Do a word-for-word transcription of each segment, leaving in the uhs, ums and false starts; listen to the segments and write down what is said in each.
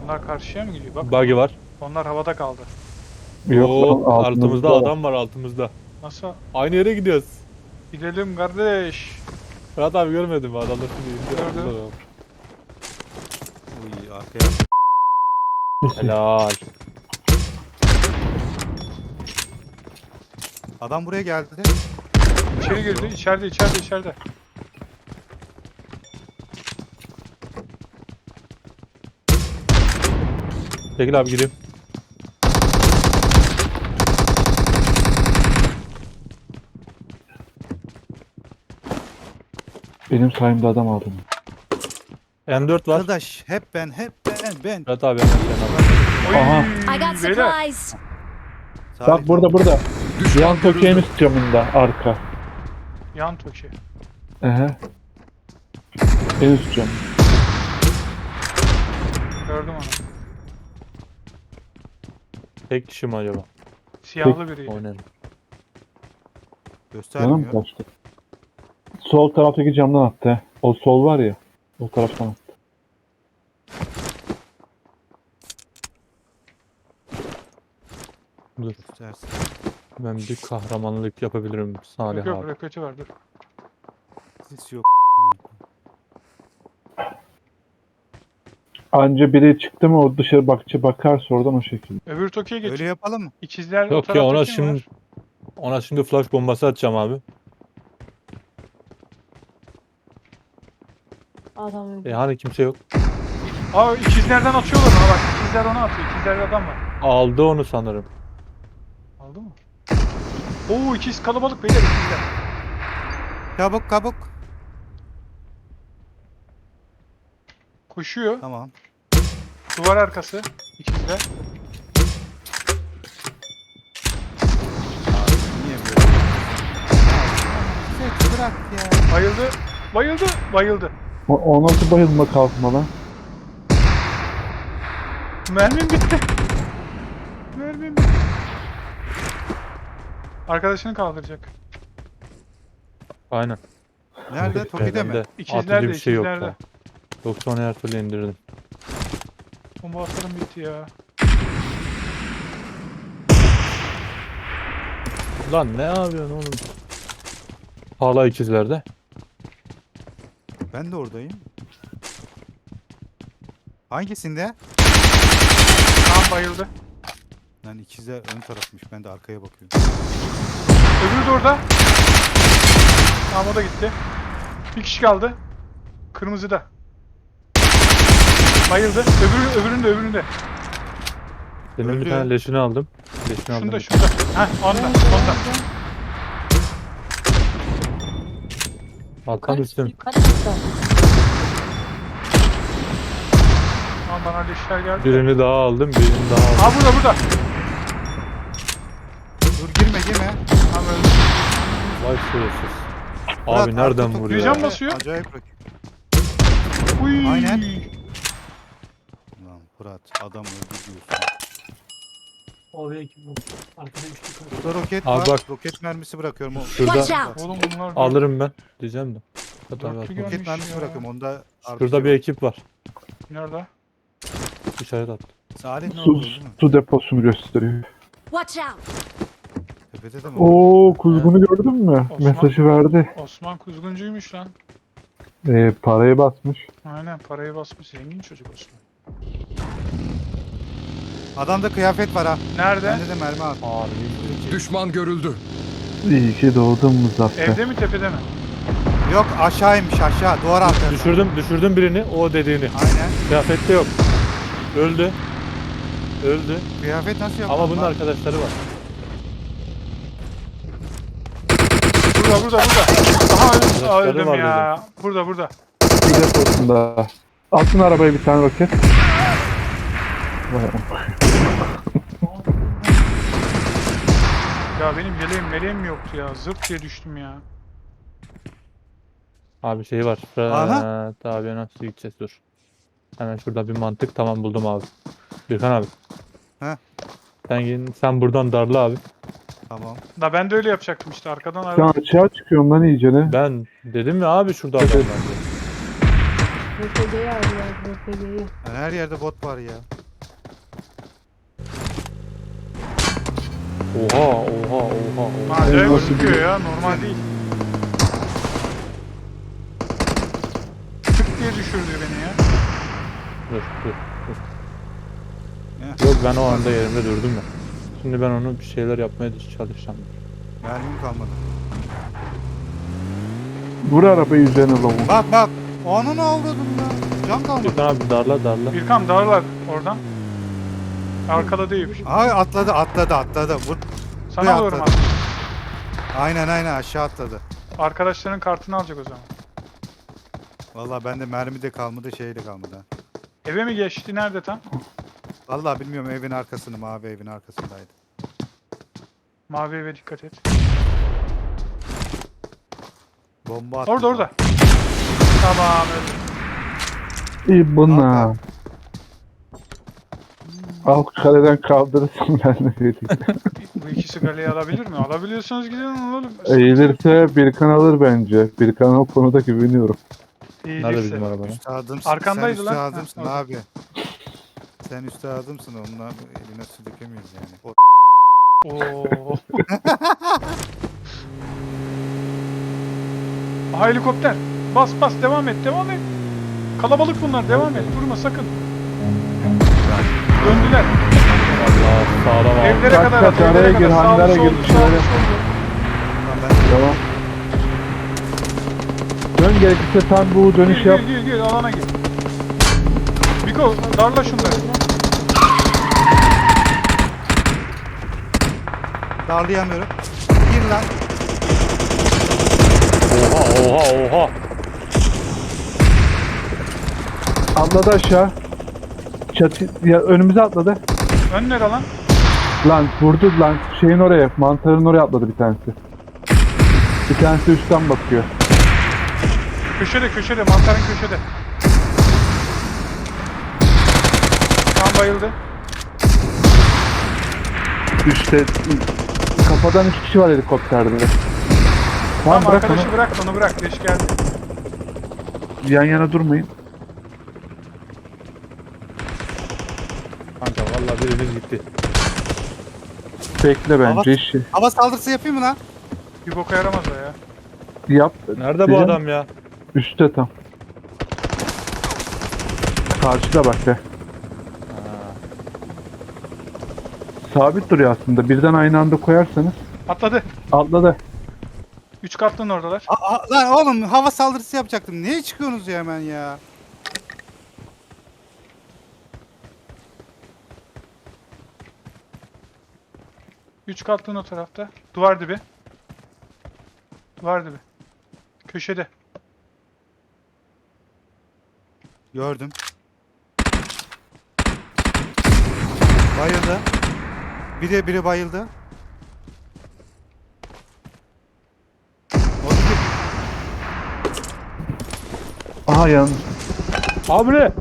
Onlar karşıya mı gidiyor? Bak. Buggy var. Onlar havada kaldı. Yok Oo, lan, altımızda altımızda adam var altımızda. Nasıl? Aynı yere gidiyoruz. Gidelim kardeş. Fırat abi görmedim mi? Adamlar şimdi indi. Gördüm. Attılar abi. Uy arkaya. Helal. Adam buraya geldi. İçeri girdi. İçeride, içeride, içeride. Çekil abi gireyim. Benim sayımda adam aldım. M dört var. Arkadaş hep ben hep ben ben. Fırat abi hemen sen abi. Oy, Aha. I got beyler. supplies. Bak burada burada. Yan tökeğimiz camında arka. Yan toki. Ehe. En üst cam. Gördüm onu. Tek kişi mi acaba? Siyahlı biriydi. Oynayalım. Yana mı Göstermiyor. kaçtı? Sol taraftaki camdan attı. he. O sol var ya. O taraftan attı. Dur. Göstersin. Ben bir kahramanlık yapabilirim Salih Yok yok, abi. roketi var dur. Sis yok. Anca biri çıktı mı o dışarı bakça bakarsa oradan o şekilde. Öbür tokiye geç. Öyle yapalım mı? İkizler o Yok ya taraftaki ona mi şimdi var? ona şimdi flash bombası atacağım abi. Adam E hani kimse yok. Aa ikizlerden atıyorlar ona bak. İkizler ona atıyor. İkizlerde adam var. Aldı onu sanırım. Aldı mı? Oo ikiz kalabalık beyler ikizler. Kabuk kabuk. Koşuyor. Tamam. Duvar arkası. İkizler. Niye böyle? Ses bırak ya. Bayıldı. Bayıldı. Bayıldı. O, o nasıl bayılma kalkma lan? Mermim bitti. Mermim bitti. Arkadaşını kaldıracak. Aynen. Nerede? Toki'de mi? Bende İkizlerde, atıcı bir şey yok ikizlerde. da. Yoksa onu her türlü indirdim. Bomba atarım bitti ya. Lan ne yapıyorsun oğlum? Hala ikizlerde. Ben de oradayım. Hangisinde? Tamam bayıldı. Lan ikizler ön tarafmış. Ben de arkaya bakıyorum. Öbürü de orada. Tamam o da gitti. Bir kişi kaldı. Kırmızıda. Bayıldı. Öbürü, öbüründe öbüründe. Senin Öldü. bir tane leşini aldım. Leşini aldım. Şunda şunda. Heh onda onda. Hakan üstüm. Kaç dakika? Tamam bana leşler geldi. Birini daha aldım, birini daha aldım. Aa burada burada. Dur girme girme. Tamam öldü. Vay şerefsiz. Murat, Abi nereden arka vuruyor? Duyacağım ya? nasıl? basıyor? Acayip bak. Uy. Aynen. Lan Fırat adam öldü diyorsun. Oraya kim bu? Arkada üçlü kaldı. Burada roket Abi var. bak. Roket mermisi bırakıyorum. O Watch Şurada out. Oğlum bunlar alırım ben diyeceğim de. Hatta Dörtlü bak, gö- roket Gelmiş mermisi ya. bırakıyorum. Onda Şurada bir ekip var. Nerede? İşaret attı. Salih ne Su, oldu değil mi? su deposunu gösteriyor. Watch out. Tepede de mi? Oo kuzgunu gördün mü? Osman. Mesajı verdi. Osman kuzguncuymuş lan. Ee, parayı basmış. Aynen parayı basmış. Zengin çocuk Osman. Adamda kıyafet var ha. Nerede? Bende de mermi var. Harbi. Düşman görüldü. İyi ki doğdun Muzaffer. Evde mi tepede mi? Yok aşağıymış aşağı. Duvar arkasında. Düşürdüm, düşürdüm birini, o dediğini. Aynen. Kıyafette yok. Öldü. Öldü. Kıyafet nasıl yaptın? Ama bunun lan? arkadaşları var. Burada burada burada. Aha öldüm, Aa, Arkadaşları öldüm var ya. Burada burada. Su deposunda. Altın arabaya bir tane roket. Vay am- Ya benim yeleğim meleğim mi yoktu ya? Zırt diye düştüm ya. Abi şey var. Aha. Fırat abi nasıl gideceğiz dur. Hemen şurada bir mantık, tamam buldum abi. Birkan abi. Heh. Sen, gel- sen buradan darla abi. Tamam. Da ben de öyle yapacaktım işte arkadan Sen araba. açığa çıkıyorsun lan iyice ne? Ben dedim ya abi şurada adam var diye. R P G'yi arıyor. R P G'yi. Yani her yerde bot var ya. Oha oha oha oha. Acayip nasıl gözüküyor bir- ya, normal değil. Tık diye düşürdü beni ya. Dur dur dur. Heh. Yok ben o anda yerimde durdum ya. Şimdi ben onu bir şeyler yapmaya çalışacağım. Mermim kalmadı. Vur arabayı üzerine lavuk. Bak bak. Onu ne avradın ya? Can kalmadı. Gürkan abi darla darla. Birkan dağlar oradan. Arkada değil. Ay atladı atladı atladı. Vur. Sana Buraya alıyorum atladı. abi. Aynen aynen aşağı atladı. Arkadaşların kartını alacak o zaman. Vallahi bende mermi de kalmadı şey de kalmadı. ha. Eve mi geçti? Nerede tam? Vallahi bilmiyorum evin arkasını mavi evin arkasındaydı. Mavi eve dikkat et. Bomba attı. Orada orada. Tamam öldü. İyi buna. Al kaleden kaldırırsın ben de vereyim. Bu ikisi galeyi alabilir mi? Alabiliyorsanız gidin oğlum. Eğilirse Birkan alır bence. Birkan'a o konuda güveniyorum. Nerede Eğilirse. bizim araba? lan? Üstadımsın. Arkandaydı Sen lan. üstadımsın Ha, abi. Sen üstadımsın onunla eline su dökemeyiz yani. O Oo. Aha, helikopter. Bas bas devam et devam et. Kalabalık bunlar devam et. Durma sakın. Döndüler. Allah sağlam abi. Evlere kaç, kadar kaç, at. Evlere araya kadar. gir, Sağlı hangara sollu, gir, sağlı şöyle. sollu. Tamam, ben Tamam. Dön gerekirse tam bu dönüş Gir yap. gir gir gir alana gir. Biko darla şunları. darlayamıyorum. Gir lan. Oha oha oha. Atladı aşağı. Çatı ya önümüze atladı. Önler alan. Lan vurdu lan şeyin oraya, mantarın oraya atladı bir tanesi. Bir tanesi üstten bakıyor. Köşede köşede mantarın köşede. Tam bayıldı. Üstte kafadan üç kişi var helikopterde. Tamam, Tamam bırak arkadaşı onu. bırak onu bırak. Leş geldi. Yan yana durmayın. Kanka vallahi birimiz gitti. Bekle Hava- bence işi. Hava saldırısı yapayım mı lan? Bir boka yaramaz o ya. Yap. Nerede bu Diyeceğim. adam ya? Üstte tam. Karşıda bak be. Ha. Sabit duruyor aslında. Birden aynı anda koyarsanız. Atladı. Atladı. Üç katlının oradalar. Aa, aa, lan oğlum hava saldırısı yapacaktım. Niye çıkıyorsunuz ya hemen ya? Üç katlının o tarafta. Duvar dibi. Duvar dibi. Köşede. Gördüm. Bayıldı. Biri biri bayıldı. O iki- Aha yan. Abi ne?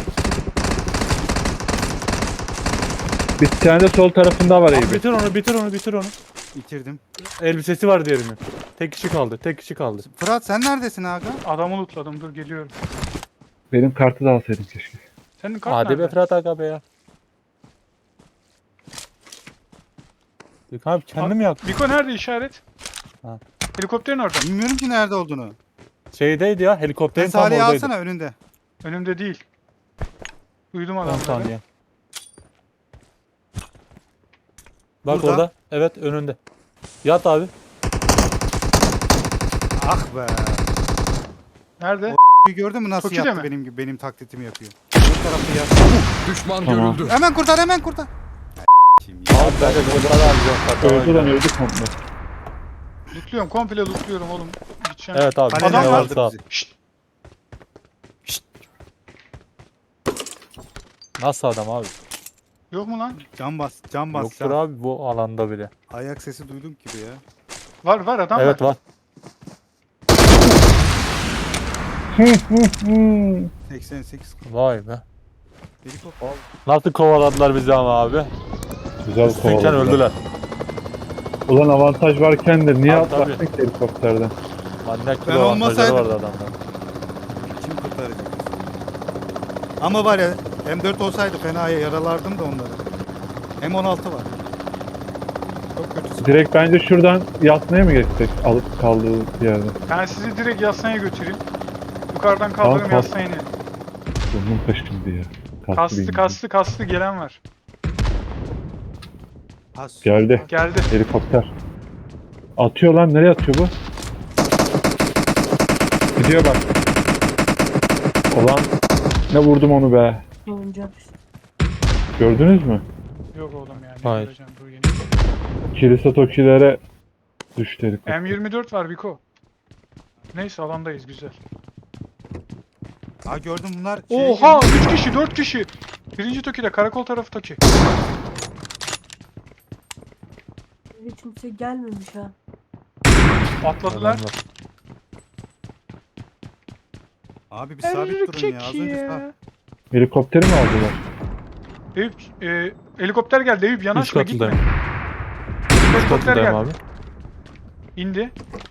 Bir tane de sol tarafında var Abi Eyüp. bitir onu bitir onu bitir onu. bitirdim. Elbisesi var diğerinin. Tek kişi kaldı tek kişi kaldı. Fırat sen neredesin aga? Adamı lootladım. Dur geliyorum. Benim kartı da alsaydın keşke. Senin kart Hadi be nerede? Fırat Aga be ya. Yok abi kendim Abi, yaktım. Biko nerede işaret? Ha. Helikopterin orada. Bilmiyorum ki nerede olduğunu. Şeydeydi ya Ben helikopterin tam Salih'i oradaydı. alsana önünde. Önümde değil. Duydum on adamları. saniye. Bak Burada. orada. Evet önünde. Yat abi. Ah be. Nerede? Bir gördün mü nasıl Toki'de yaptı mi? benim gibi benim taklitimi yapıyor. Bu tarafta yat. Düşman Tamam. görüldü. Hemen kurtar hemen kurtar. Kim ya? Abi ben de burada da alacağım. Öldü lan öldü komple. Lootluyorum. Komple lootluyorum oğlum. Gideceğim. Evet abi. Kaleden Adam ne var. varsa al. bizi. Şşt. Nasıl adam abi? Yok mu lan? Can bas, can bas. Yoktur can. abi bu alanda bile. Ayak sesi duydum gibi ya. Var var adam Evet var. var. seksen sekiz Vay be. helikopter. Nasıl kovaladılar bizi ama abi. Güzel Üstünken kovaladılar. öldüler. Ulan avantaj varken de niye Tabii, atlattık ki helikopterden? Manyak Ben gibi avantajları olmasaydım- vardı adamların. Kim kurtaracak? Ama var ya M dört olsaydı fena yaralardım da onları. M on altı var. Çok Direkt bence şuradan yatmaya mı geçsek? Alıp kaldığı yerde. Ben sizi direkt yaslanaya götüreyim. Yukarıdan kaldırırım Tamam, yaslanaya inelim. Burnum kaşındı ya. Kastı benim. kastı kastı gelen var. Has. Geldi. Geldi. Helikopter. Atıyor lan. Nereye atıyor bu? Gidiyor bak. Ulan ne vurdum onu be. Oyuncak. Gördünüz mü? Yok oğlum yani. Hayır. Göreceğim, dur yeni. Kilise tokilere düştü helikopter. M yirmi dört var Biko. Neyse alandayız güzel. Ha gördüm bunlar. şeye Oha girmiş. üç kişi dört kişi. Birinci Toki'de karakol tarafı Toki. Hiç kimse gelmemiş ha. Atladılar. Adamlar. Abi bir sabit durun ya. Az Erkek önce ya. sağ. Helikopteri mi aldılar? Eyüp, e, helikopter geldi Eyüp Üst yanaşma gitme. katıdayım. Üst Helikopter katıdayım geldi. abi. İndi.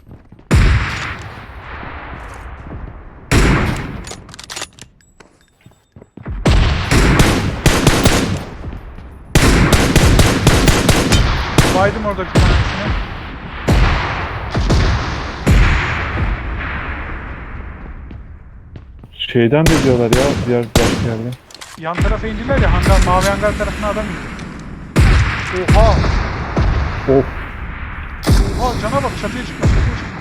Baydım orada bir tanesini. Şeyden de diyorlar ya. Diğer başka yerden. Yan tarafa indiler ya hangar, mavi hangar tarafına adam indi. Oha! Of. Oha cana bak çatıya çıkma çatıya çıkma.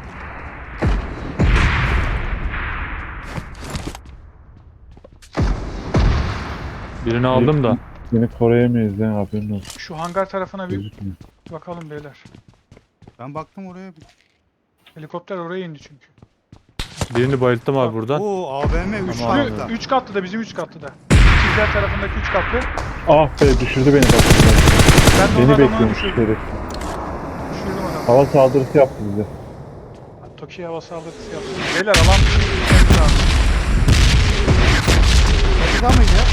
Birini aldım da. Seni koruyamayız ya, haberin olsun. Şu hangar tarafına bir Gözükmüyor. bakalım beyler. Ben baktım oraya. bir- Helikopter oraya indi çünkü. Birini bayılttım abi buradan. Oo A V M üç Tamam. farklı. Üç katlı da bizim üç katlı da. Çizgiler tarafındaki üç katlı. Ah be, düşürdü beni bak. Ben de Beni onu adamı bekliyormuş düşürdüm. herif. Düşürdüm adamı. Hava saldırısı yaptı bize. Toki'ye hava saldırısı yaptım. Beyler alan gitmemiz lazım. Çatıda mıydı ya?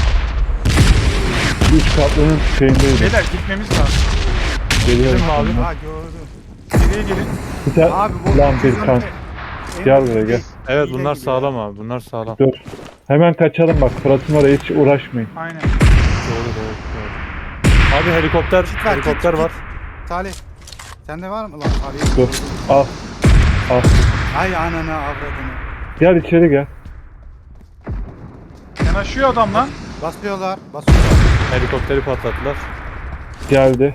Üç katlının şeyindeydi. Beyler gitmemiz lazım. Geliyorum Değil mi abi? şimdi. Ha gördüm. Geriye gelin. Bir tane, Abi bu lan bir bizim- kan. en- Gel buraya, gel. Evet hile bunlar gibi sağlam abi. Bunlar sağlam. Dur. Hemen kaçalım bak. Fırat'ın oraya hiç uğraşmayın. Aynen. Doğru doğru. doğru. Abi helikopter, Kit ver, helikopter kit, var. kit. Salih. Sende var mı lan? Salih. Dur. Al. Al. Ay ananı avradını. Gel içeri gel. Yanaşıyor adam lan. Basıyorlar. Basıyorlar. Helikopteri patlattılar. Geldi.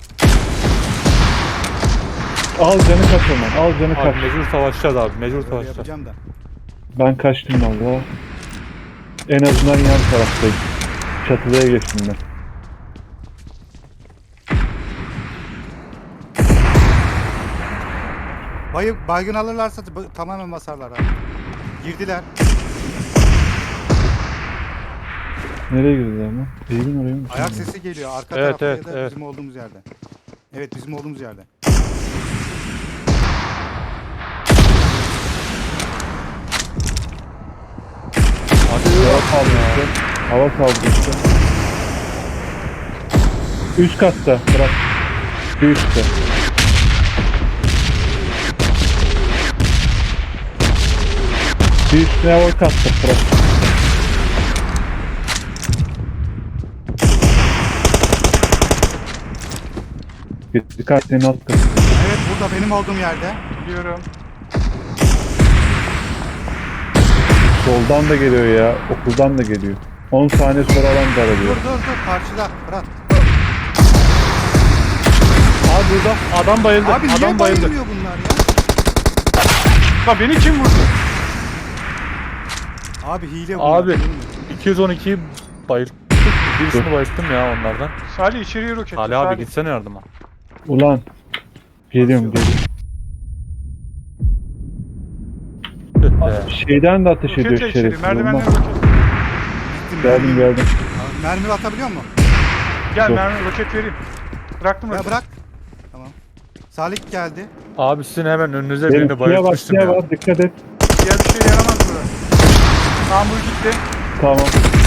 Al canı kaç hemen. Al canı Abi kaç. mecbur savaşacağız abi. Mecbur Böyle savaşacağız. yapacağım da. Ben kaçtım valla. En azından yan taraftayım. Çatıya geçtim ben. Bayı, baygın alırlarsa ba- tamamen basarlar abi. Girdiler. Nereye girdiler lan? Evin oraya mı? Ayak sesi geliyor arka Evet, tarafta evet, ya da evet. bizim olduğumuz yerde. Evet bizim olduğumuz yerde. Hava saldırısı. Hava saldırısı. Üst katta. Bırak. Bir üstte. Bir üstüne hava katta. Bırak. Dikkat, senin alt katı. Evet burada benim olduğum yerde. Biliyorum. Soldan da geliyor ya. Okuldan da geliyor. on saniye sonra alan Dur daralıyor. dur dur karşıda Fırat. Abi burada adam bayıldı. Abi niye adam bayıldı. bayılmıyor bunlar ya? Lan beni kim vurdu? Abi hile bunlar. Abi iki yüz on ikiyi bayılttık. Birisini bayılttım ya onlardan. Salih içeriye roket. Ali abi gitsene yardıma. Ulan. Geliyorum geliyorum. Tüh be. Şeyden de ateş ediyor Roketle içeri. şerif. Merdivenle Olmaz. roket. Geldim geldim. Abi, mermi atabiliyor musun? Gel Dur. mermi roket vereyim. Bıraktım Ya roketi. bırak. Tamam. Salih geldi. Abi sizin hemen önünüze Benim birini suya bak, bayıltmıştım suya ya. var, dikkat et. Diğer bir şey yaramaz burada. Tamam bu gitti. Tamam.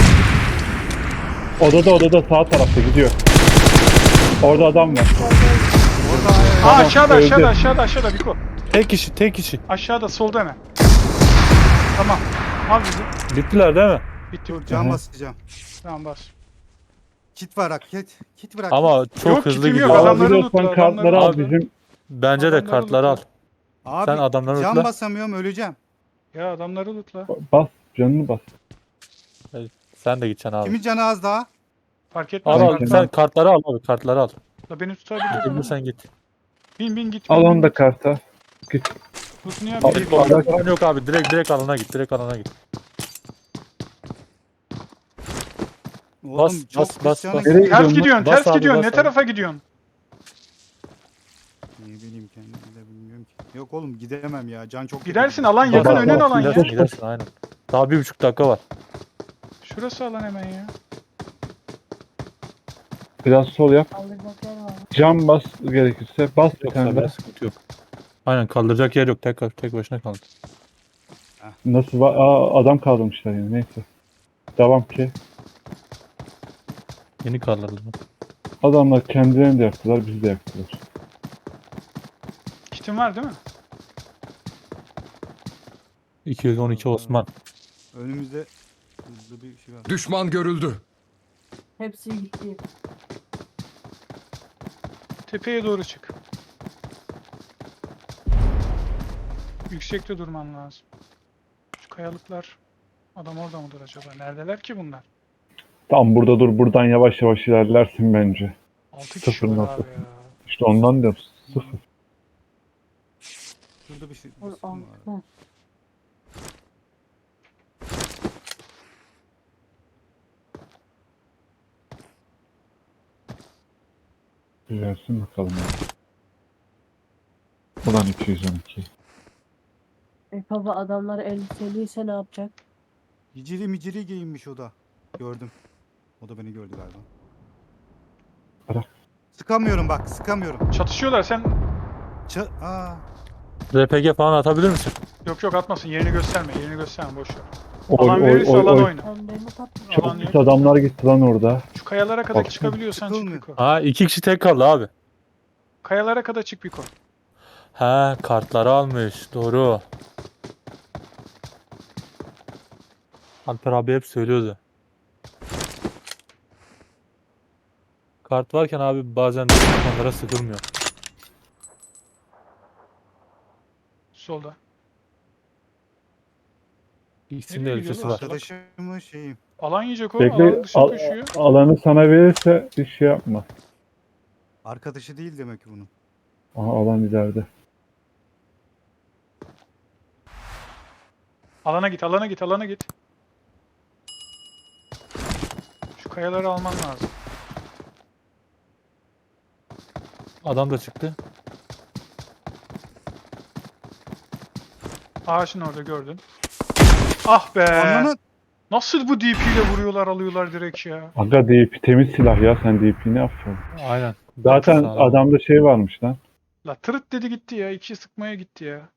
Odada odada sağ tarafta gidiyor. Orada adam var. Orada Aa Tamam, aşağıda öldü. aşağıda aşağıda aşağıda Biko. Tek kişi tek kişi. Aşağıda solda hemen. Tamam. Al bizi. Bittiler değil mi? Bitti dur bitti. cam Aha. basacağım. Tamam bas. Kit var bak kit. Kit bırak. Ama çok Yok, hızlı kitim yok, gidiyor. adamları Alabiliyorsan lootla, kartları al adamları bizim. Bence de Adamları kartları al. lootla. Abi Sen adamları can lootla. basamıyorum öleceğim. Ya adamları lootla. Bas canını bas. Sen de gideceksin abi. Kimin canı az daha? Fark etmez. Al Ben al. kartlar. kendim- Sen kartları al abi. Kartları al. La beni tutabilir ama. Gidebilirsen git. Bin bin git. Bin, Al bin, onu da git. karta. Git. Lootunu yap. Al, git. al. Yok, falan yok abi. Direkt direkt alana git. Direkt alana git. Oğlum Bas, çok bas, pis bas, canı bas. gidiyor. Nereye Ters gidiyorsun? gidiyorsun, Bas ters abi, gidiyorsun. bas Ne abi. tarafa gidiyorsun? Ne bileyim kendim de bilmiyorum ki. Yok oğlum gidemem ya. Can çok kötü Gidersin, gidiyor. alan yakın, Bas, önün bas, alan ya. Gidersin gidersin aynen. Daha bir buçuk dakika var. Şurası alan hemen ya. Biraz sol yap. Kaldıracak yer var. Cam bas gerekirse. Bas bir Yoksa tane bile daha. sıkıntı yok. Aynen kaldıracak yer yok. Tek, tek başına kaldı. Nasıl va- Aa, adam kaldırmışlar yani neyse. Devam ki. Yeni kaldırdı. Adamlar kendilerini de yaktılar, bizi de yaktılar. Kitin var değil mi? iki yüz on iki Osman. Önümüzde hızlı bir şey var. Düşman görüldü. Hepsi gitti. Tepeye doğru çık. Yüksekte durman lazım. Şu kayalıklar. Adam orada mıdır acaba? Neredeler ki bunlar? Tam burada dur, buradan yavaş yavaş ilerlersin bence. altı kişi Sıfır var nokta. abi ya. İşte ondan diyorum, sıfır. Şurada bir şey, bir Vur şey var. altı. Güzelsin bakalım. ya. Ulan iki yüz on iki. E baba adamlar elbiseliyse ne yapacak? Hiciri miciri giyinmiş o da. Gördüm. O da beni gördü galiba. Bırak. Sıkamıyorum bak sıkamıyorum. Çatışıyorlar, sen... Ç Aa. R P G falan atabilir misin? Yok yok atmasın, yerini gösterme, yerini gösterme, boş ver. Oy Alan oy verirse oy alan oy. oyna. Sen beni tatlı. Çok Alan pis yok. adamlar gitti lan orada. Şu kayalara kadar Bak, çıkabiliyorsan çık sıkılmıyor. bir koy. Ha iki kişi tek kaldı abi. Kayalara kadar çık bir koy. Ha kartları almış. Doğru. Alper abi hep söylüyordu. Kart varken abi bazen düşmanlara sıkılmıyor. Solda. İkisinin de Nereye elbisesi gidiyorlar? var. Arkadaşımın şeyi. Alan yiyecek o, Bekle, alan dışına al- koşuyor. alanı sana verirse bir şey yapma. Arkadaşı değil demek ki bunun. Aha alan ileride. Alana git, alana git, alana git. Şu kayaları alman lazım. Adam da çıktı. Ağaçın orada gördün. Ah be! Ananı Nasıl bu D P ile vuruyorlar, alıyorlar direkt ya. Aga D P temiz silah ya, sen D P'ni affedin. Aynen. Zaten Sağ ol. adamda şey varmış lan. La tırıt dedi gitti ya, iki sıkmaya gitti ya.